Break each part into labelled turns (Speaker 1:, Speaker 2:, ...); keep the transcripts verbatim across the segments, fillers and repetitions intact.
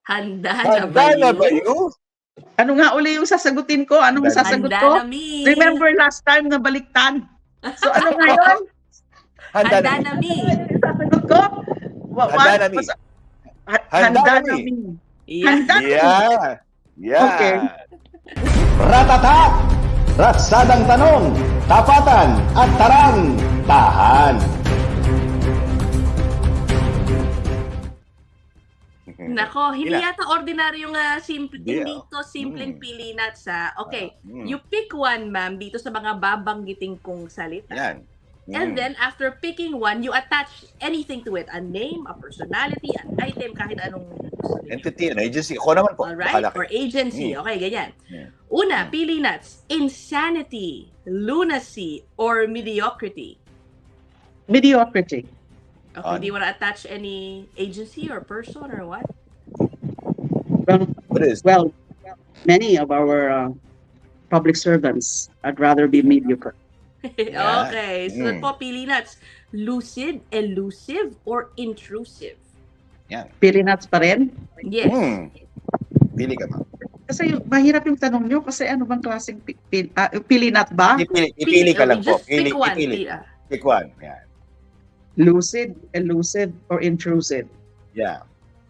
Speaker 1: Handa na
Speaker 2: Handa
Speaker 1: ba
Speaker 2: na ba
Speaker 1: you?
Speaker 2: you?
Speaker 3: Ano nga uli yung sasagutin ko? Anong
Speaker 2: Handa na.
Speaker 3: sasagot
Speaker 1: Handa
Speaker 3: ko?
Speaker 1: na mi.
Speaker 3: Remember last time na baliktad. So ano nga yun?
Speaker 2: Handa na
Speaker 1: Handa na mi.
Speaker 3: Yung sasagot ko? Wa-
Speaker 2: Handa
Speaker 3: what?
Speaker 2: na mi.
Speaker 3: Basta- Ha-
Speaker 2: Handa
Speaker 3: Handa
Speaker 2: na
Speaker 3: na
Speaker 2: mi.
Speaker 3: mi.
Speaker 1: Yeah.
Speaker 3: Handa na mi.
Speaker 2: Yeah. Yeah.
Speaker 3: Okay.
Speaker 4: Ratata! Ratsadang tanong, tapatan at tarang, tahan.
Speaker 1: Nako, hindi
Speaker 2: Ila.
Speaker 1: yata ordinaryong uh, simple,
Speaker 2: Hindi,
Speaker 1: hindi
Speaker 2: oh.
Speaker 1: to simpleng
Speaker 2: Mm.
Speaker 1: pili nuts ha. Okay,
Speaker 2: Mm.
Speaker 1: you pick one ma'am dito sa mga babanggiting kong salita.
Speaker 2: Yan.
Speaker 1: And
Speaker 2: Mm.
Speaker 1: then after picking one, you attach anything to it. A name, a personality, an item, kahit anong gusto niyo.
Speaker 2: Entity, an agency. Ako naman po.
Speaker 1: Alright?
Speaker 2: Bahala
Speaker 1: Or
Speaker 2: kayo.
Speaker 1: agency.
Speaker 2: Mm.
Speaker 1: Okay, ganyan.
Speaker 2: Mm.
Speaker 1: Una,
Speaker 2: Mm.
Speaker 1: pili nuts. Insanity, lunacy, or mediocrity.
Speaker 3: Mediocrity.
Speaker 1: Okay,
Speaker 2: Ano?
Speaker 1: do you want to attach any agency or person or what?
Speaker 3: Well,
Speaker 2: What is?
Speaker 3: well, many of our uh, public servants, I'd rather be mediocre.
Speaker 2: Yeah.
Speaker 1: Okay, so
Speaker 2: Mm.
Speaker 1: po, pili nuts. Lucid, elusive, or intrusive?
Speaker 2: Yan.
Speaker 3: Pili nuts pa rin?
Speaker 1: Yes.
Speaker 2: Hmm. Pili ka, ma'am.
Speaker 3: Kasi yung- mahirap yung tanong nyo kasi ano bang klaseng pi- pil- ah, pili nut ba?
Speaker 2: Ipili, ipili ka lang po.
Speaker 1: Just
Speaker 2: Pili,
Speaker 1: pick one.
Speaker 2: ipili.
Speaker 1: Pili, ah.
Speaker 2: Pick one. Yan.
Speaker 3: Lucid, elusive, or intrusive?
Speaker 2: Yeah.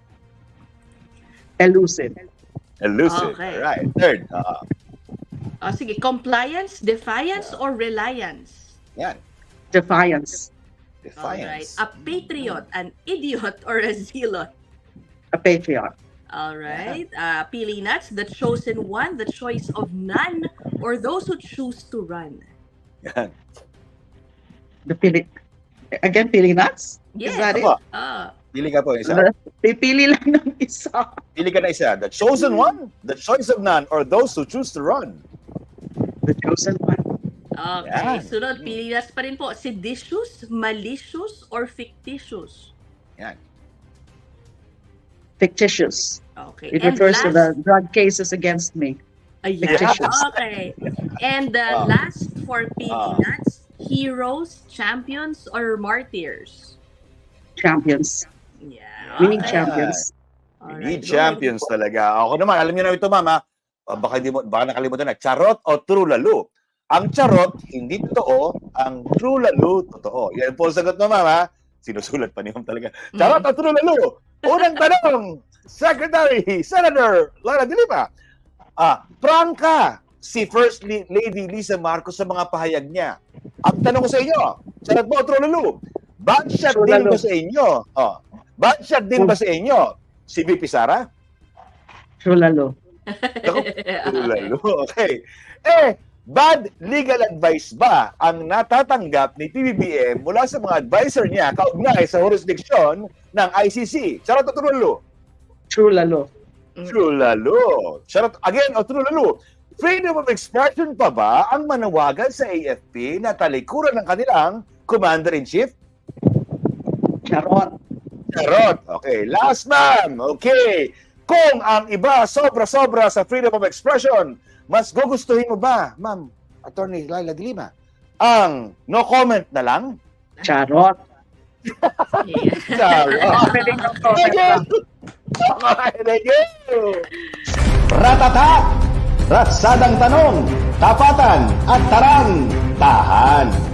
Speaker 3: Elusive.
Speaker 2: Elusive.
Speaker 1: Okay.
Speaker 2: Right. Third. Uh,
Speaker 1: Oh, sige, compliance, defiance, or reliance?
Speaker 2: yan.
Speaker 3: Defiance.
Speaker 1: Alright.
Speaker 2: Defiance.
Speaker 1: A patriot, an idiot, or a zealot?
Speaker 3: A patriot.
Speaker 1: Alright. Uh, pili nuts, the chosen one, the choice of none, or those who choose to run?
Speaker 2: Yan.
Speaker 3: The pili... Again, pili nuts?
Speaker 1: Yes.
Speaker 3: Is that it?
Speaker 2: Apa.
Speaker 1: Ah.
Speaker 2: Pili ka po isa.
Speaker 3: Pipili lang ng isa.
Speaker 2: Pili ka na isa. The chosen one, the choice of none, or those who choose to run.
Speaker 3: The chosen one.
Speaker 1: Okay.
Speaker 2: Yan.
Speaker 1: Sunod, pili nuts pa rin po. Seditious, malicious, or fictitious?
Speaker 2: Yan.
Speaker 3: Fictitious.
Speaker 1: Okay.
Speaker 3: It
Speaker 1: And
Speaker 3: refers to the
Speaker 1: last-
Speaker 3: drug cases against me.
Speaker 1: Ayan.
Speaker 3: Fictitious.
Speaker 1: Okay. And uh,
Speaker 2: Ah.
Speaker 1: last for pili
Speaker 2: Ah.
Speaker 1: nuts, heroes, champions, or martyrs?
Speaker 3: Champions.
Speaker 1: Yeah.
Speaker 3: We need
Speaker 1: okay.
Speaker 3: champions.
Speaker 2: We
Speaker 1: Alright,
Speaker 2: need
Speaker 1: go
Speaker 2: champions talaga. Ako naman, alam niyo na ito, mama. Uh, baka, di mo, baka nakalimutan na. Charot o true lalo? Ang charot, hindi totoo. Ang true lalo, totoo. Yan po ang sagot mo, mama. Sinusulat pa niyo talaga. Charot o true lalo? Unang tanong, Secretary, Senator Lara de Lima. Ah, prangka si First Lady Lisa Marcos sa mga pahayag niya. Ang tanong ko sa inyo, charot mo o true lalo? Bad shot
Speaker 3: True
Speaker 2: din
Speaker 3: lalo.
Speaker 2: ba sa inyo? Oh. Bad shot din ba sa inyo? Si V P Sara?
Speaker 3: True lalo.
Speaker 2: Ako, lalo. Okay. Eh, bad legal advice ba ang natatanggap ni P B B M mula sa mga advisor niya kaugnay sa jurisdiction ng I C C? Charot o true lalo?
Speaker 3: True lalo.
Speaker 2: True lalo. Charot again o true lalo? Freedom of expression pa ba ang manawagan sa A F P na talikuran ng kanilang Commander-in-Chief?
Speaker 3: Charot.
Speaker 2: Charot. Okay. Last, ma'am. Okay. Kung ang iba sobra-sobra sa freedom of expression, mas gugustuhin mo ba, ma'am, Attorney Laila de Lima, ang no comment na lang?
Speaker 3: Charot.
Speaker 1: Yeah.
Speaker 2: Charot.
Speaker 3: Pwede no comment
Speaker 2: Thank you.
Speaker 3: lang.
Speaker 2: Okay, thank you.
Speaker 4: Ratata! Ratsadang tanong, tapatan at tarang, tahan.